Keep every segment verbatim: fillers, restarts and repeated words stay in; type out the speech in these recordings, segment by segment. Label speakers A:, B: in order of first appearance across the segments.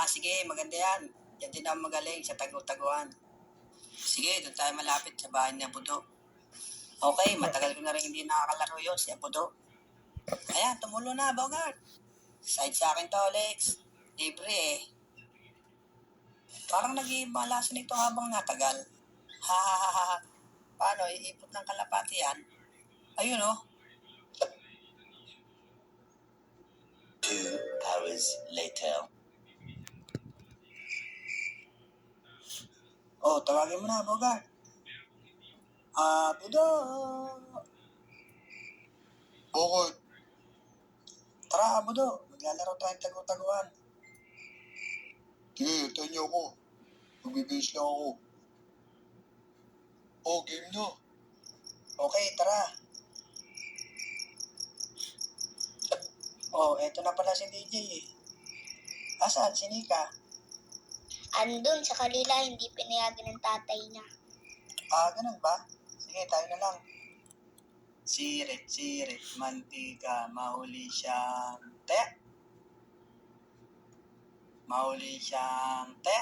A: sige, maganda yan. Yan din ang magaling sa tagu-taguan. Sige, doon tayo malapit sa bahay ni Abudo. Okay, matagal ko na rin hindi nakakalaro yun, si Abudo. Ayan, tumulo na, Bogart. Side sa akin to, Alex. Libre eh. Parang nag-iiba laso nito habang natagal. Ha ha ha ha. Paano, iipot ng kalapati yan? Ayun oh. Two hours later. Oh, tawagin mo na, Bogart. Ah, Budo.
B: Bakit?
A: Tara, Budo. Maglalaro tayong tagu-taguan.
B: Sige, hintayin niyo ako. Magbibihis lang ako. Oh, game na.
A: Okay, tara. Oh, eto na pala si D J eh. Asan, si Nika?
C: Andun sa kalila, hindi pinayagan ng tatay niya.
A: Ah, ganun ba? Sige, tayo na lang. Sirit, sirit, mantika, mahuli siyang te. Mahuli siyang te.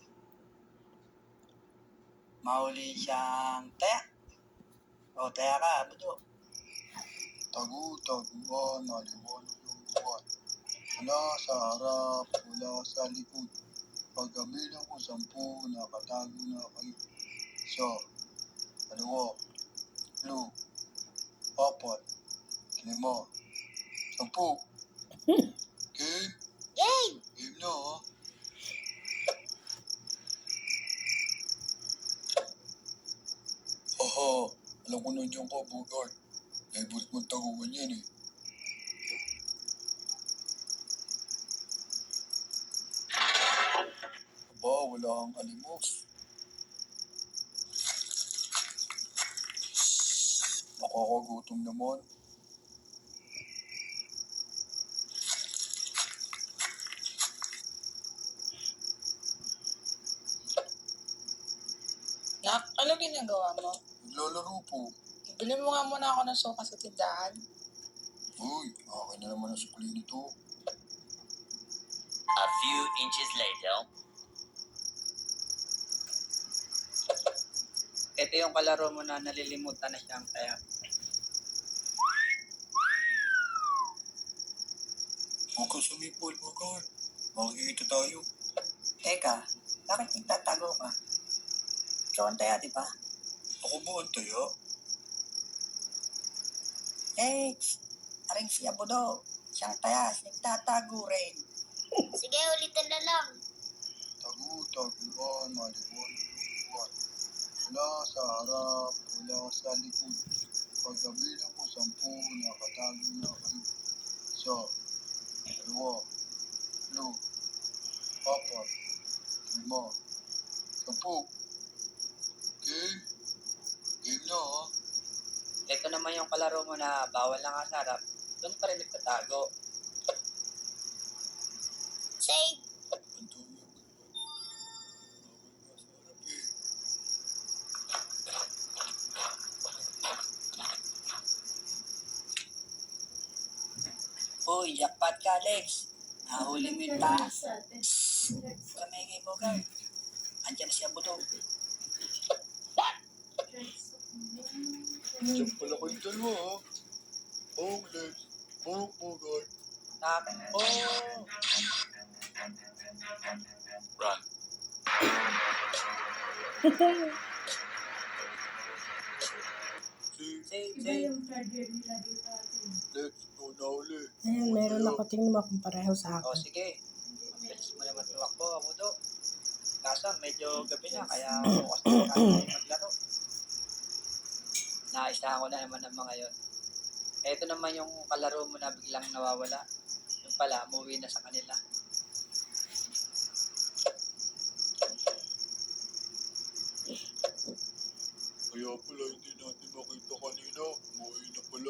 A: Mahuli siyang te. O, taya ka, Budo.
B: Tagu-taguan, naliwanag ng buwan. Wala sa harap, wala sa likod. Pagkabilang ko sampu, nakatago na kayo. Isa, dalawa, tatlo, apat, lima, sampu. Game?
C: Game!
B: Game na ha? Aha, alam ko nandiyan ka, Bogart. Favorite mong taguan yan eh. Aba, wala kang alimos. Nakakagutom naman.
D: Nak, ano ginagawa mo?
B: Naglalaro po.
D: Bili mo nga muna ako ng suka sa tindahan.
B: Uy, akin na naman ang sukli nito.
E: A few inches later.
A: Ito yung kalaro mo na nalilimutan na siyang taya.
B: Huwag ka sumipol, Bogart. Makikita tayo.
A: Teka, bakit nagtatago ka? Ikaw ang taya, di ba?
B: Ako ba ang taya?
A: Eh, aring si Abudo. Siyang taya, nagtatago rin.
C: Sige, ulitin na lang.
B: Tagu-taguan, maliwanag ng buwan. Wala sa harap, wala sa likod. Pagkabilang ko sampu, nakatago na kayo. Isa, dalawa, tatlo, apat, lima, sampu. Game? Game na ha?
A: Ito naman yung kalaro mo na bawal lang sa harap. Doon pa rin nagtatago.
C: Save!
B: Ang tuyo mo naman. Bawal nga sa harap eh.
A: Uy, jackpot ka, Alex. Nahuli mo yung taas. Kami kay Bogart. Andiyan si Abudo.
B: Diyan pala kayong dalawa ha? Oh, Lex. Oh, Bogart.
A: Tapos,
B: Oh! Run. Si
A: save,
F: Iba
A: save.
F: yung charger nila dito atin.
B: Lex, ikaw na uli.
F: Ayun, meron ako. Tingnan mo kung pareho sa
A: O
F: akin.
A: sige. Bilis mo naman tumakbo, Abudo. Kaso medyo gabi na, kaya bukas na tayo maglaro. Naisahan ko na naman ang mga yon. Ito naman yung kalaro mo na biglang nawawala. Yung pala, umuwi na sa kanila.
B: Kaya pala hindi natin makita kanina. Umuwi na pala.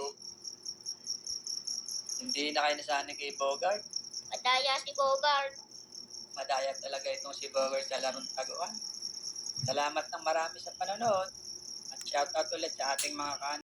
A: Hindi na kayo nasanay kay Bogart.
C: Madaya si Bogart.
A: Madaya talaga itong si Bogart sa larong taguan. Salamat ng marami sa panonood. At shoutout ulit sa ating mga kan